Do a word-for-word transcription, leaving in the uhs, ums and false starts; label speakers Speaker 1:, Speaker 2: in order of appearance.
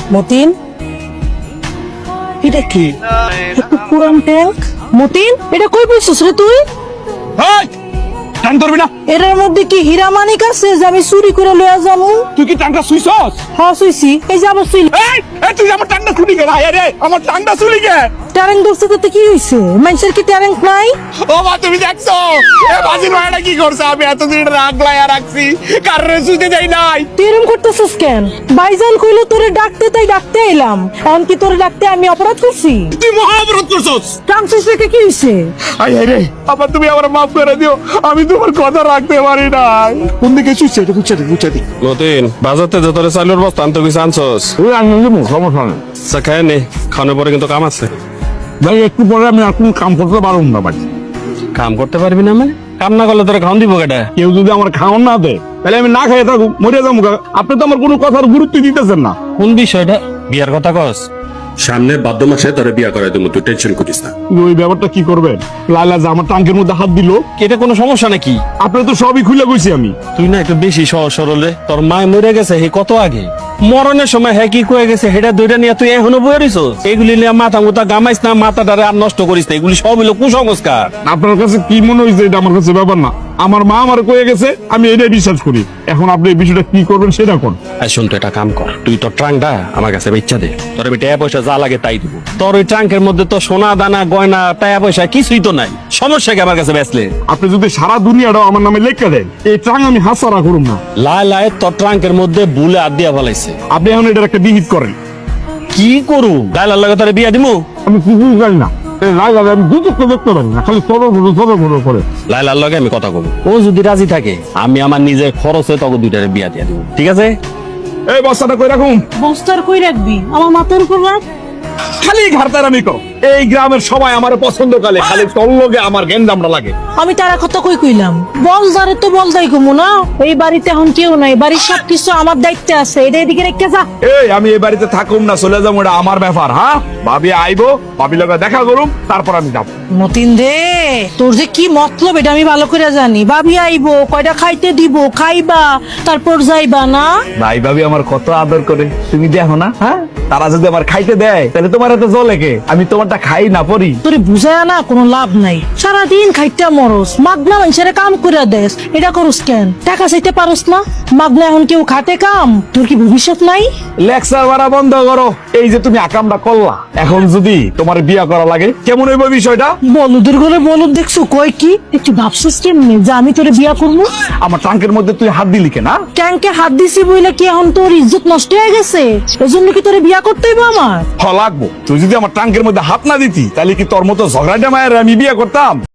Speaker 1: মতিন, এটা কি? একটু পুরান ট্যাঙ্ক। মতিন, এটা কই পেয়েছিস রে তুই?
Speaker 2: এই, টান ধরবি না।
Speaker 1: এটার মধ্যে কি হীরা মানিক আছে যে আমি চুরি করে লইয়া যাবো?
Speaker 2: তুই কি টানটা সুইছস?
Speaker 1: হ্যাঁ শুইছি, এই যে আবার শুইল।
Speaker 2: এই, এই তুই আমার টানটা শুনি গে ভাই রে, আমার টানটা শুনি গে।
Speaker 1: ট্যারেং ধরছে তাতে কি হইছে? মানুষের কি ট্যারেং নাই?
Speaker 2: ও মা তুমি দেখছো এ বাজির ভাইটা কি করছে? আমি এতদিন রাগলাইয়া রাখছি, কারণে শুতে দেই নাই।
Speaker 1: তুই এরম করতেছিস কেন? ভাইজান কইলো তোরে ডাকতে, তাই ডাকতে এলাম। এখন কি তোরে ডাকতে আমি অপরাধ করছি?
Speaker 2: তুই মহা অপরাধ করছস।
Speaker 1: ট্রান্সিস রেখে কি হইছে?
Speaker 2: আই আই রে, আবার তুমি আমার মাফ করে দিও, আমি তোমার কথা রাখতে পারি নাই। কোন দিকে শুইছে? এটা বুঝছে বুঝছে দি
Speaker 3: মতিন, বাজারতে যে তোরে চাইলের বস্তা আনতে গেছে আনছস?
Speaker 2: তুই আনলি মু সমস্যা নেই
Speaker 3: আচ্ছা খায় নে, খাওয়ানোর পরে কিন্তু কাম আছে।
Speaker 2: ভাই, একটু পরে আমি আর কোনো কাম করতে পারবো না বাড়ি।
Speaker 3: কাম করতে পারবি না মানে? কাম না করলে তোরা খাওয়ান দিব কেটা?
Speaker 2: কেউ যদি আমার খাওয়ান না দেয় তাহলে আমি না খাইয়ে থাকুক, মরে যাবো। আপনি তো আমার কোনো কথার গুরুত্ব দিতেছেন না।
Speaker 3: কোন বিষয়টা? বিয়ার কথা কস?
Speaker 4: সামনে বাদ্য মাসে তোরে বিয়া করাই দেবো, তুই টেনশন করিস না।
Speaker 2: কিন্তু ওই ব্যাপারটা কি করবেন? লাইলা যে আমার টাঙ্কের মধ্যে হাত দিল,
Speaker 3: এটা কোনো সমস্যা নাকি?
Speaker 2: আপনি তো সবই খুলে কইছি আমি।
Speaker 3: তুই না একটু বেশি সহজ সরল রে। তোর মায় মরে গেছে হে কত আগে, মরণের সময় হ্যাঁ কি কয়ে গেছে সেটা দুইটা নিয়ে তুই এখনো বয়ে রইছ। এগুলি নিয়ে মাথা মুথা গামাইস না, মাথাটারে আর নষ্ট করিস না। এগুলি সব হলো কুসংস্কার।
Speaker 2: আপনার কাছে কি মনে হয়েছে এটা আমার কাছে ব্যাপার না। আমার মা আমার কয়ে গেছে, আমি এটাই বিশ্বাস করি। এখন আপনি এই বিষয়টা কি করবেন সেটা কোন।
Speaker 3: আর শুন, তুই একটা কাম কর, তুই তোর ট্রাঙ্কটা আমার কাছে বেচা দে। তোর আমি টাকা পয়সা যা লাগে তাই দিব। তোর ওই ট্রাঙ্কের মধ্যে তো সোনা দানা গয়না টাকা পয়সা কিছুই তো নাই। সমস্যা কি আমার কাছে বেচলে?
Speaker 2: আপনি যদি সারা দুনিয়াটাও আমার নামে লেখা দেন, এই ট্রাং আমি হাসারা করুম না।
Speaker 3: লাই লাই তোর ট্রাঙ্কের মধ্যে বুলে হাত দিয়া ফেলাইছে।
Speaker 2: আপনি এখন এটার একটা বিহিত করেন।
Speaker 3: কি করু? গাইলার লাগে তোরে বিয়া দিমু?
Speaker 2: আমি কিছুই জানি না। এই লাইলা আমি দুটো দেখতে পারি না, খালি সরো ভরো সরো ভরো করে।
Speaker 3: লাইলার লগে আমি কথা কব, ও যদি রাজি থাকে আমি আমার নিজের খরচে তোকে দুইটারে বিয়া দিয়া দিব, ঠিক আছে?
Speaker 2: এই বস্তাটা কই রাখুন।
Speaker 1: বস্তার কই রাখবি? আমার মাথার উপর রাখ।
Speaker 2: খালি ঘাড়তার আমি কর। এই গ্রামের সবাই আমার পছন্দ করে, খালি তোর লগে আমার গেন্দামটা লাগে।
Speaker 1: আমি তারা কথা কই কইলাম? বল দারে তো বল দাই কমু না। এই বাড়িতে এখন কেউ নাই, বাড়ির সব কিছু আমার দায়িত্বে আছে। এটা এদিকে রেখে যা।
Speaker 2: এই আমি এই বাড়িতে থাকুম না চলে যাবো, এটা আমার ব্যাপার। হ্যাঁ, ভাবি আইবো, ভাবি লগে দেখা করুম, তারপর আমি যাবো।
Speaker 1: মতিন দে, তোর যে কি মতলব এটা আমি ভালো করে জানি। ভাবি আইবো, কয়টা খাইতে দিব, খাইবা, তারপর যাইবা না?
Speaker 2: ভাই ভাবি আমার কত আদর করে, তুমি দেখো না? হ্যাঁ, তারা যদি আমার খাইতে দেয় তাহলে তোমার এত জলে কে? আমি তোমারটা খাই না পরি।
Speaker 1: তোরে বুঝায় না কোনো লাভ নাই। সারাদিন খাইতে মরস, মাগনা মানুষের কাম করে দেস। এটা করস কেন? টাকা চাইতে পারস না? মাগনা এখন কেউ খাটে কাম? তোর কি ভবিষ্যৎ নাই?
Speaker 2: লেকচার মারা বন্ধ করো। এই যে তুমি আকামটা করলা, এখন যদি তোমার বিয়া করা লাগে কেমন হইব বিষয়টা?
Speaker 1: বলুদের ঘরে বলদ দেখছো কয় কি? একটু ভাবছিস কেমনে যে আমি তোরে বিয়া করবো?
Speaker 2: আমার ট্রাঙ্কের মধ্যে তুই হাত দিলি কেনা?
Speaker 1: ট্যাঙ্কে হাত দিছি বইলে কি এখন তোর ইজ্জত নষ্ট হয়ে গেছে? এজন্য কি তোরে বিয়া করতে হইব আমার?
Speaker 2: হ লাগবো। তুই যদি আমার ট্রাঙ্কের মধ্যে হাত না দিতি তাহলে কি তোর মতো ঝগড়াটা মায়ের আমি বিয়ে করতাম?